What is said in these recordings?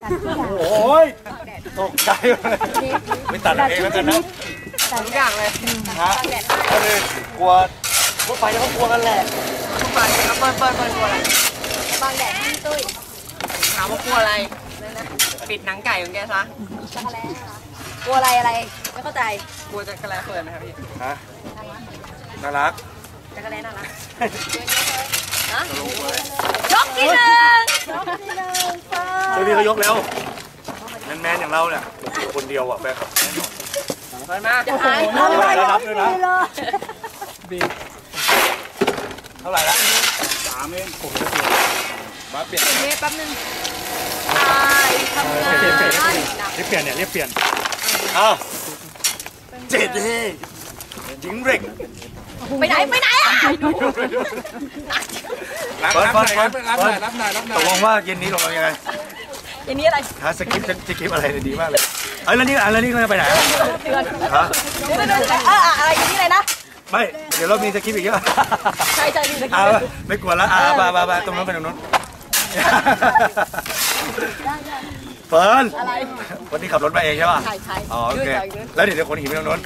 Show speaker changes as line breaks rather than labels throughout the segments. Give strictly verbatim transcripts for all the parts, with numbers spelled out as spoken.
โอ้ยตกใจเลยไม่ตัดเองแล้วกันนะทุกอย่างเลยฮะก็เลยกลัวพวกไฟเขากลัวกันแหละพวกไฟครับเปิ้ลเปิ้ลเปิ้ลกลัวอะไร
บางแดดที่ตุ้ย
ถามว่ากลัวอะไรปิดหนังไก่ของแกซะ
จักรแล้กลัวอะไรอะไรไม่เข้าใจ
กลัวจักรแล้เปิดไหมครับพี่
ฮะน่ารัก
จักรแล้น่ารักฮะยกที่หนึ่งยกที่หนึ่ง
เดี๋ยวพี่เขายกแล้วแมนๆอย่างเราเนี่ยคนเดียวอ่ะแฟนคลับ
เปิดมา
จะหาย
เท่าไหร่แล้วนับด้วยนะบีเท่าไหร่ละสามเองผมจะเปลี่ยนมาเปลี่ยน
เมตรแป๊บนึงตายทำงานเรียบเป
ลี่ยนเนี่ยเรียบเปลี่ยนอ้าวเจ็ดเลยยิงเร่ง
ไปไหนไปไหนอ่ะ
รับหน่อยรับหน่อยรับหน่อยรับหน่อยตกลงว่าเย็นนี้ลงมายังไง
เย็นนี้อะไร
ฮะสคริปต์สคริปต์อะไรดีมากเลยเอ้ยแล้วนี่แล้วนี่เขาจะไปไหนฮะ
อะไรเย็นนี้อะไรนะ
ไม่เดี๋ยวเรามีสคริปต์อีกเยอะ
ใช่ใช่มีสคริป
ต์ไม่กลัวแล้วอ่าบาบาบาตรงนั้นไปตรงนู้นเฟิร์นวันนี้ขับรถมาเองใช่ป่ะ
ใช่ใช่
อ๋อโอเคแล้วเดี๋ยวคนหินไปตรงนู้น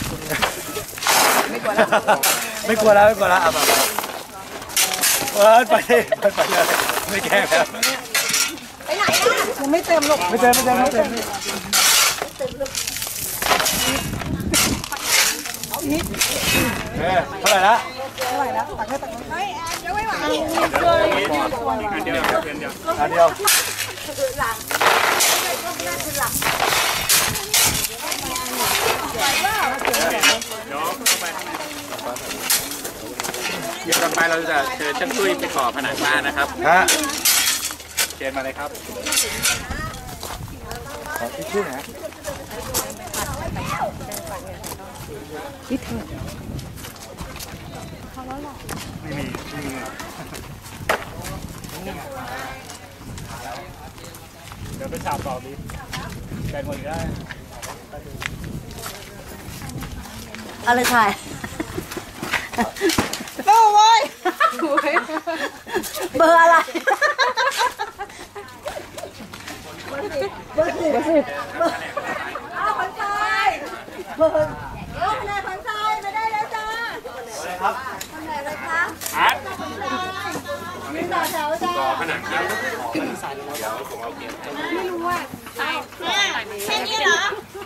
ไม่กลัวแล้ว
ไม่กลัวแล้วไม่กลัวแล้วอ่ะมาเฟิร์นไปไปไปเลยไม่แกล้งแล้ว
ไปไหนอ่ะยังไม่เต็มหรอก
ไม่เต็มไม่เต็มไม่เต็มเฮ้ยเท่าไหร่ละ
เท่าไหร่ละตักให้ตักเฮ้ยยังไม่ไหว
อันเดียวอันเดียวอันเดียว
หลังคือหลัง
เดี๋ยวต่อไปเราจะเชิญช่างตุ้ยไปก่อผนังบ้านนะครับ
ฮะ
เชิญมาเลยครับ
ขอทิชชู่นะ
คิดเถอะ
ไม่มีไม่มีเดี๋ยวไปฉาบต่อดิแกงหมดได้
อะไรถ่ายโอ้ยเบอร์อะไรเบอร์สิบเบอร์สิบเบอร์สิบอ้าวคนชายเบอร์เออคนชายคนชายมาได้แล้วจ้า
อะไรครับ
ทำอะไรคะ
อาร์ต
นี่ต่อแถวจ้า
ก่อผนังครับเดี๋ยวผมเอาเกียร์
ไม่รู้ว่าใช่แค่นี้เหรอ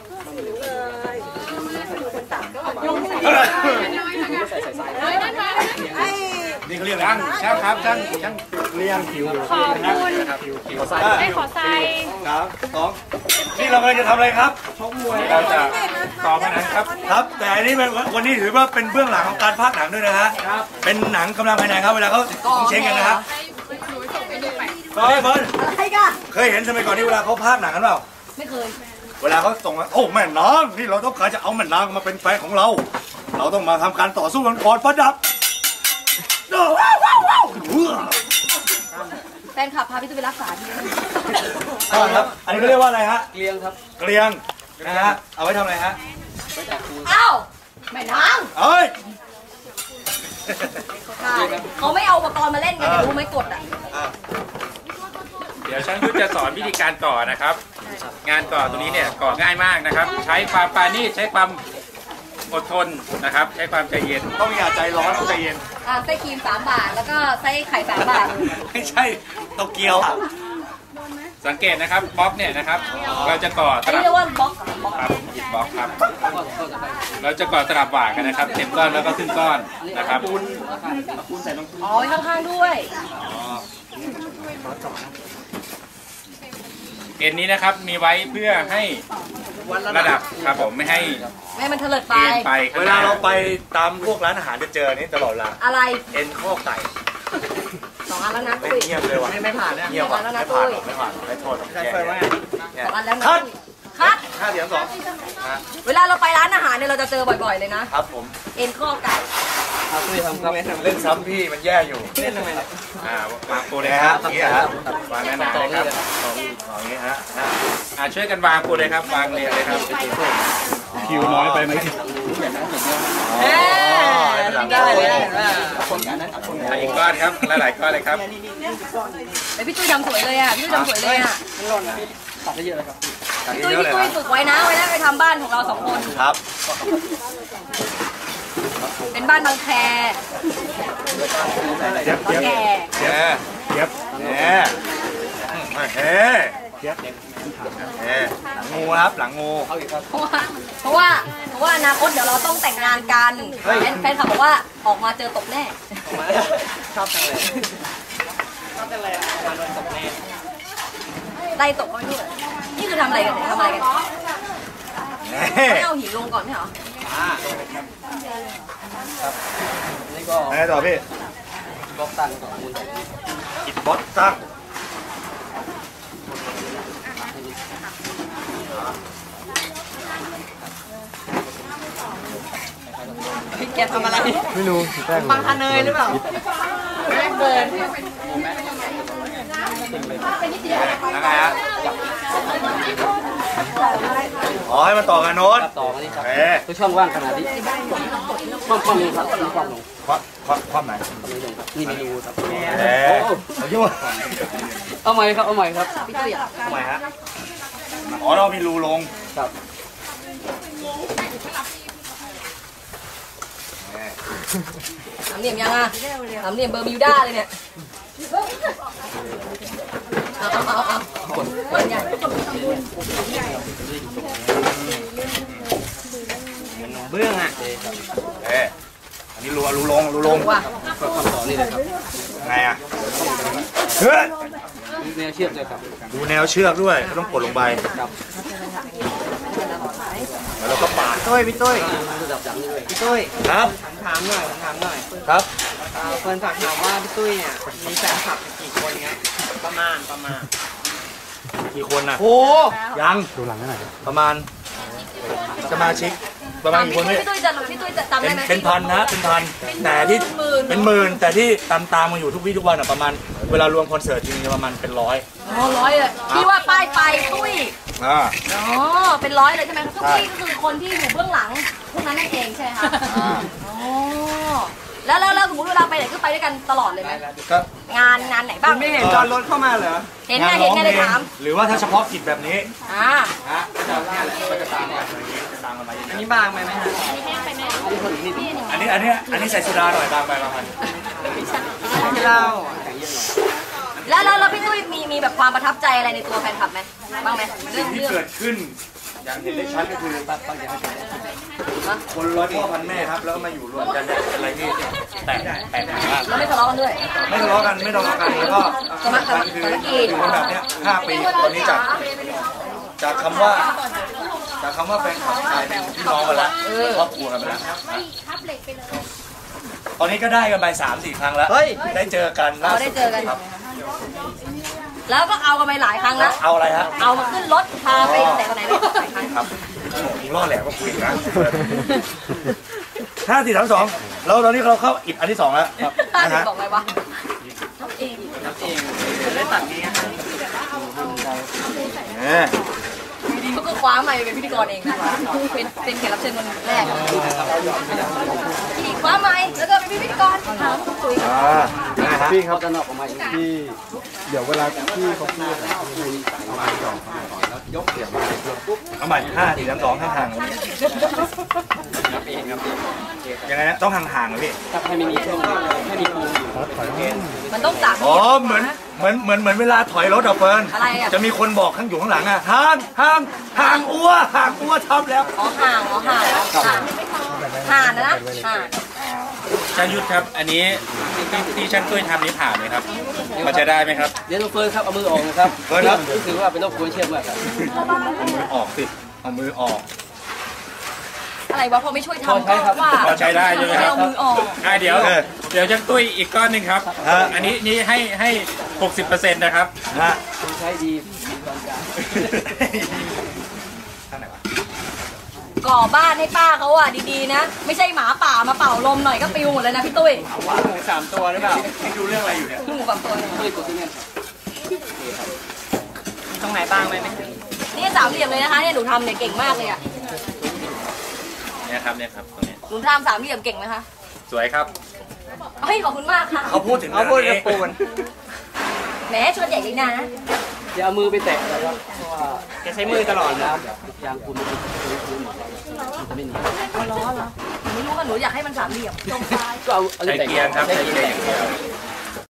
นี่เขาเรียกอะไร
ช่างช่างครับช่างช่าง
เรียงผิว
ขอบคุณได้ขอใส่
ครับสองนี่เรากำลังจะทำอะไรครับชกมวย
เราจะก่อผนังครับ
ครับแต่อันนี้วันนี้ถือว่าเป็นเบื้องหลังของการพากย์หนังด้วยนะฮะเป็นหนังกำลังภายในครับเวลาเขาเช็คกันนะครับเฟิร์นเฟิร์นเคยเห็นสมัยก่อนที่เวลาเขาพากย์หนังกันเปล่า
ไม่เคย
เวลาเขาส่งโอ้แม่นางนี่เราต้องการจะเอาแม่นางมาเป็นแฟนของเราเราต้องมาทำการต่อสู้กันก่อนประดับว้าวว้าวว้าว
แฟนขับพาพี่ตุ้ยไปรักษาที่นี่
ครับอันนี้เขาเรียกว่าอะไรฮะ
เกลียงครับ
เกลียงนะฮะเอาไว้ทำอะไรฮะ
อ้าวแม่นาง
เอ้ย
เขาไม่เอาอุปกรณ์มาเล่นกันเดี๋ยวรู้ไหมกดอ่ะ
เดี๋ยวช่างตุ้ยจะสอนวิธีการก่อนะครับงานก่อตรงนี้เนี่ยก่อง่ายมากนะครับใช้ความปราณีตใช้ความอดทนนะครับใช้ความใจเย็น
ต้องอย่าใจร้อนต้องใจเย็น
อ่าไส้ครีมสามบาทแล้วก็ไส้ไข่สามบาท
ไม่ใช่โตเกียว
สังเกตนะครับบล็อกเนี่ยนะครับเราจะก่อตลับ
เรียกว่าบล็อก
ครับหยิบบล็อกครับเราจะก่อตลับหว่างกันนะครับเต็มก้อนแล้วก็ครึ่งก้อนนะครับ
อ๋อข้างๆด้วย
เอ็นนี้นะครับมีไว้เพื่อให้ระดับครับผมไม่ให้
ไม่มันเถลิดไป
เวลาเราไปตามพวกร้านอาหารจะเจอนี้ตลอดเวลา
อะไร
เอ็นข้อไก่
สองอันแล้วนะ
ตุ้ยเงียบเลยว่ะ
ไม่ผ่านเนี่ย
เงียบว่ะไม่ผ่านไม่ผ่านไม่โทษ
ใช่เฟิร์นว่า
สองอันแล้วนะคัดคัด
ห้าเสียงสอง
เวลาเราไปร้านอาหารเนี่ยเราจะเจอบ่อยๆเลยนะครับ
ผม
เอ็นข้อไก่
เอาตุ้ยทำครับ
เล่นซ้ำพี่มันแย่อยู่
เล่นทำไมเนี่ย
อ่าวางปูเลย
ครับ
อย่าง
นี้ฮะ
วางแน่นๆเลยครับ
อย่างนี้ฮะ
อ่าช่วยกันวางปูเลยครับวางเรียงเลยครับ
ผิคิวน้อยไปไหม
เอ๊ได้เลยเห็นป่ะ
อีกก้อนครับหลายๆก้อนเลยครับ
แต่พี่ตุ้ยทำสวยเลยอ่ะพี่ตุ้ยทำสวยเลยอ่ะ
ตัดได้เยอะเลยครับ
พี่ตุ้ยพี่ตุ้ยฝึกไว้นะไว้นะไปทำบ้านของเราสองคน
ครับ
เป็นบ้านบางแค
เย็บ
บาง
เย็บ
แค
เย็บเย็บเนี่ยเฮ้เย็บเฮ้หลังงูครับหลังงู
เพราะว่าเพราะว่าเพราะว่าอนาคตเดี๋ยวเราต้องแต่งงานกันแฟนแฟนคลับบอกว่าออกมาเจอตกแน่
ชอบจังเลยชอบจังเลยมาโดนตกแน่
ไล่ตกเขาไม่รู้เลยนี่คือทำอะไรกันเนี่ยทำอะไรกันไม่เอาหินลงก่อนไม่เหรอ
นี่ก็ไงต่อพี่
บล็อกตันก่อน
อิดบอสตั้ง
แกทำอะไร
ไม่รู้แป้ง
ปังคะเนยหรือเปล่าแป้งเบิร์น
ยังไงฮะอ๋อให้มันต่อกันโน้ต
ต่อมาดิครับ
เอ๊ะ
คือช่องว่างขนาดนี้ความความลงครับความลง
ความความความไหน
นี่ไม่รู้ครับ
เอ๊ะเอายุ่ง
เอาใหม่ครับเอาใหม่ครับ
พี่ตุ้ยอ่ะ
ทำไมฮะอ๋อเรามีรูลง
ครับ
สามเหลี่ยมยังอ่ะสามเหลี่ยมเบอร์มิวด้าเลยเนี่ยเอาเอาเอาเอาคนใหญ่
เบื้องอ่ะ
เอ๊ะอันนี้รูรูลงรูลง
ว่า
ก็คำต่อนี่เลยครับ
ไงอ่ะเฮ้ย
แนวเชือกเลยครับ
ดูแนวเชือกด้วยก็ต้องกดลงไป
ครับ
แล้วเราก็ปาด
ตุ้ยพี่ตุ้ยระดับอย่างนี้เลยพี่ตุ้ย
ครับ
ผมถามหน่อยผมถามหน่อย
ครับ
เอ่อเฟิร์นฝากถามว่าพี่ตุ้ยเนี่ยมีแฟนคลับกี่คนเงี้ยประมาณประมาณ
กี่คนน่ะ
โอ้
ยังดูหลังหน่อยประมาณสมาชิกประมาณกี่คนพี่
พี่ตุ้ยจะพี่ตุ้ยจะจำ
เป็
ได้
น
ไหม
เป็นพันนะเป็นพันแต่ที่เป็นหมื่นแต่ที่ตามตามมาอยู่ทุกวี่ทุกวันอ่ะประมาณเวลารวมคอนเสิร์ตจริงๆประมาณเป็นร้อย
อ๋อร้อยเลยที่ว่าป้ายไฟตุ้ย
อ่า
อ๋อเป็นร้อยเลยใช่ไหมครับตุ้ยก็คือคนที่อยู่เบื้องหลังพวกนั้นนั่นเองใช่ไหมคะอ๋อแล้วแล้วแล้วสมมติเวลาไปไหนก็ไปด้วยกันตลอดเลยไหม
ก็
งานงานไหนบ้าง
ไม่เห็นจอดรถเข้ามาเหรอ
เห็นไงเห็นไงเลยถาม
หรือว่าถ้าเฉพาะกิจแบบนี้
อ่า
ฮะก็จะเนี่ยแหละก็จะตามกันอะไรอย่างเงี้ยจะตามกันมาเย
อัน
อะ
นี้บางไปไหมฮะ
ๆอันนี้อันนี้อันนี้ใส่สุดาหน่อยบางไปบางไป
ที่เล่า
แล้วแล้วแล้วพี่ตุ้ยมีมีแบบความประทับใจอะไรในตัวแฟนคลับไหมบ้างไหมเรื่
สิ่
อง ง
ที่
เรื่อง
เกิดขึ้นอย่างเห็นได้ชัดก็คือคนร้อยพ่อพันแม่ครับแล้วก็มาอยู่รวมกันเนี่ยเป็นอะไรที่แตกแตกมาก
เราไม่ทะเลาะกันด้วย
ไม่ทะเลาะกันไม่ทะเลาะกันแล้วก็
สมัคร
มันคือ
สมัครกิจ
อยู่กันแบบเนี้ยห้าปีตอนนี้จากจากคำว่าจากคำว่าแฟนคลับกลายเป็นพี่น้องกันละครอบครัวกันไปแล้วตอนนี้ก็ได้กันไปสามสี่ครั้งแล้วได้เจอกันล่า
เรา
สุ
ได้
ด
เจอกัน
ครับ
แล้วก็เอากันไปหลายครั้งแล้ว
เอาอะไรฮะ
เอามาขึ้นรถพาไปแต่ก็ไหนไม่หลายครั้ง
ครับผมล่อแหลมก็คุยนะห้าสี่สามสองแล้วตอนนี้เราเข้าอิดอันที่สองแล้ว
ถ้า
นะ
ถึง
ฮะ
บอกไงวะทำเอง
เองได้ตัดนี้ฮะ
เนี่ย
เขาก็คว้ามาเป็นพิธีกรเองนะเป็นเป็นแขกรับเชิญคนแรกที่คว้ามาแล้วก็เป็นพิธีกรถามคุย
อ่านะฮะ
พี่เขาจะนอกออกมาอีกที
เดี๋ยวเวลาพี่เขาพูดอะคุยเอาไปก่อนแล้วยกเสียงมาปุ๊บ
เอาใหม่ห้าสี่สามสองห่างๆยังไงนะต้องห่างๆเลยพี่
ถ้าให้ไม่มีช่วงให้มีปูอยู่
มันต้องสาม
อ๋อเหมือนเหมือนเหมือนเหมือนเวลาถอยรถอะเฟิร์น
อะไรอะ
จะมีคนบอกข้างอยู่ข้างหลังอะห่างห่างห่างอัวห่างอัวทำแล้ว
อ๋อห่างอ๋อห่างห่างห่างนะห่าง
ช่างยุทธครับ อันนี้ที่ที่ช่างตุ้ยทำนี้ผ่านไหมครับพอจะได้ไหมครับ
เดี๋ยวเฟิร์นครับเอามือออกนะครับ
เฟิร์นครับ
รู้สึกว่าเป็นโรคกลัวเชือกมากครับ
เอามือออกสิเอามือออก
อะไรวะพอไม่ช่วยทำก็ว่า
พอใช้ได้ใช่ไหมครับ
เอามือออก
อ่ะเดี๋ยว
เออ
เดี๋ยวช่างตุ้ยอีกก้อนหนึ่งครับ
ฮะ
อันนี้นี่ให้ให้หกสิบเปอร์เซ็นต์นะครับ
ฮะ
คุณใช้ดีมีความกล้า
ข้างไหนวะ
ก่อบ้านให้ป้าเขาอ่ะดีๆนะ ไม่ใช่หมาป่ามาเป่าลมหน่อยก็ปิวหมดเลยนะพี่ตุ้ย
ว่าหมูสามตัวหรือเปล่า
นี่ดูเรื่องอะไรอยู่เนี่ย
หมูกับตัวเนี่ย
ตุ้ยกดที่นี่ตรงไหนบ้างไหมไหม
นี่สามเหลี่ยมเลยนะคะเนี่ยหนูทำเนี่ยเก่งมากเลยอ่ะ
เนี่ยครับเนี่ยครับตรงนี้
หนูทำสามเหลี่ยมเก่งไหมคะ
สวยครับ
เฮ้ยขอบคุณมากค่ะ
เขาพูดถึง
เขาพูดกับปูน
แหมชวนใหญ่เลยนะ
อย่าเอามือไปแตะเลยครับเพราะว่าแกใช้มือตลอดนะ
ยางคุณมันจะไม่หนี
อ๋อเหรอเหรอหนูไม่รู้ว่าหนูอยากให้มันสามเหลี่ยมตรงปลาย
ก็เอาเอา
ใช้
แต่
เกียร์ครับ
ใช้
ใช้
เกี
เกี
ย
ยร์
ร์
อย่างเดียว